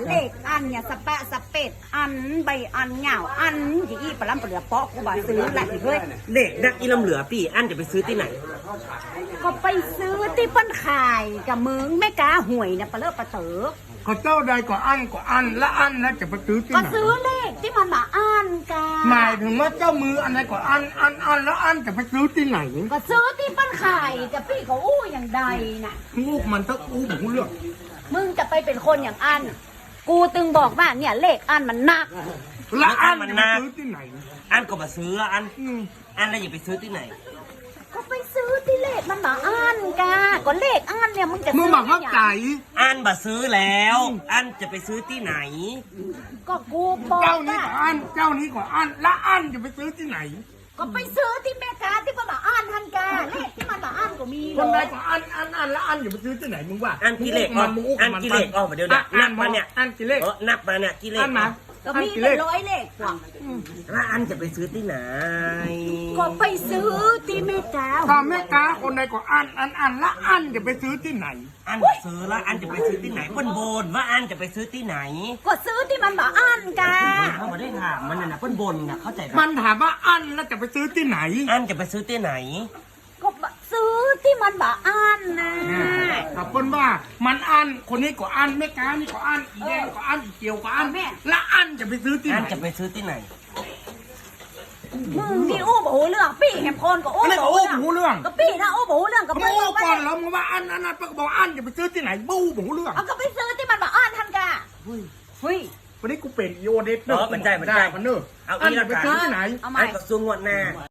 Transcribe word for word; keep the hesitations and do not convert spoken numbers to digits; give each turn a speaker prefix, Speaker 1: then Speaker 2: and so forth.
Speaker 1: เลขอันเนี่ยสปะสเปดอันใบอันเหงาอันยี่อีปลาล้ำปลาเหลือเปาะกูบาซื้อแหละเฮ้ย
Speaker 2: เด็กนักอีลำเหลือพี่อันจะไปซื้อที่ไหน
Speaker 1: ก็ไปซื้อที่เปิ้นขายกับมึงแม่กาหวยเนี่ยปลาเลิกปลาเต๋อ
Speaker 3: ก็เจ้าใดก็อันก็อันและอันแล้วจะไปซื้อที่
Speaker 1: ก็
Speaker 3: ไหน
Speaker 1: ซื้อเลขที่มันมาอ่านกา
Speaker 3: หมายถึงว่าเจ้ามืออันไหนก็อันอันอันแล้วอันจะไปซื้อที่ไหน
Speaker 1: ก็ซื้อที่เปิ้นขายกับพี่เขาอู้อย่างใดน่ะ
Speaker 3: งูมันต้องอู้หูเรื่อง
Speaker 1: มึงจะไปเป็นคนอย่างอัน กูตึงบอกว่าเนี่ยเลขอันมันหนัก
Speaker 3: และอันจะไปซื้อที่ไหน
Speaker 2: อันก็มาซื้ออัน
Speaker 3: อืม
Speaker 2: อันแล้วอย่าไปซื้อที่ไหน
Speaker 1: ก็ไปซื้อที่เลขมันมาอ่านกาก็เลขอันเนี่ยมึงจะ
Speaker 3: มึง
Speaker 1: ซื้
Speaker 3: บอกเข้าใจ
Speaker 2: อันมาซื้อแล้ว อันจะไปซื้อที่ไหน
Speaker 1: ก็กูบอก
Speaker 3: เจ้านี้
Speaker 1: ว่า
Speaker 3: ก็อันเจ้านี้ก็อันและอันจะไปซื้อที่ไหน
Speaker 1: ก็ไปซื้อที่แม่ค้าที่มันมาอ่านทันกาเลขที่มันมาอ่านก็มี
Speaker 3: คนใด
Speaker 1: เลย
Speaker 3: ก็อันอันอันและอันจะไปซื้อที่ไหนมึงว่า
Speaker 2: อันกิเลส
Speaker 3: มั
Speaker 2: อ่อน
Speaker 3: มึงอู้
Speaker 2: อั
Speaker 3: กับ
Speaker 2: น
Speaker 3: มัน
Speaker 2: กิเลสอ่อนเดี๋ยวนะนับมาเนี่ย
Speaker 3: อันกิเลส
Speaker 2: เออนับมาเนี่ยกิเลส
Speaker 3: อันมา
Speaker 1: ก็มีเป็นร้อยเลขกว่า
Speaker 2: แล้วอันจะไปซื้อที่ไหน
Speaker 1: ก็ไปซื้อที่แม่ค้า
Speaker 3: ถ้าแม่ค้าคนใดก็อันอันอันและอันจะไปซื้อที่ไหน
Speaker 2: อันซื้อแล้วอันจะไปซื้อที่ไหนเปิ้นโบนว่าอันจะไปซื้อที่ไหน
Speaker 1: ก็ซื้อที่มันมาอ่านกา
Speaker 2: เขาไม่ได้ถามมันน่ะนะเปิ้นบนน่ะเข้าใจปะ
Speaker 3: มันถามว่าอันแล้วจะไปซื้อที่ไหน
Speaker 2: อันจะไปซื้อที่ไหน
Speaker 1: ก็ซื้อที่มันมาอ่านนะ
Speaker 3: ถ้าเปิ้นว่ามันอันคนนี้ก็อันแม่ค้านี่ก็อันอีแดงก็อันอีเกียวก็อันและอันจะไปซื้อที่ไห
Speaker 2: อั
Speaker 3: น
Speaker 2: นจะไปซื้อที่ไหน
Speaker 1: มึงที่อู้บอกเรื่องปี้แหมพรก็อู้
Speaker 3: อะไรก็อู้หูเรื่อง
Speaker 1: ก็ปี้นะอู้บอกเรื่องกับ
Speaker 3: มึงอู้ก่อนแล้วมึงว่าอันอันนั้นก็บอกอันจะไปซื้อที่ไหนบู้หูเรื่อง
Speaker 1: เอาก็ไปซื้อที่มันมาอ่านทันกาเฮ้ย
Speaker 3: วันนี้กูเป็นอีโอเดส
Speaker 2: เออมันได้มันได้
Speaker 3: มันเนอะ
Speaker 2: เอา
Speaker 3: อัน
Speaker 2: อี
Speaker 3: จะ
Speaker 2: ละ
Speaker 3: ไป
Speaker 2: กัน
Speaker 3: ซื้อที่ไหน
Speaker 1: เอาใหม่
Speaker 2: อันก็ซื้องวดหน้า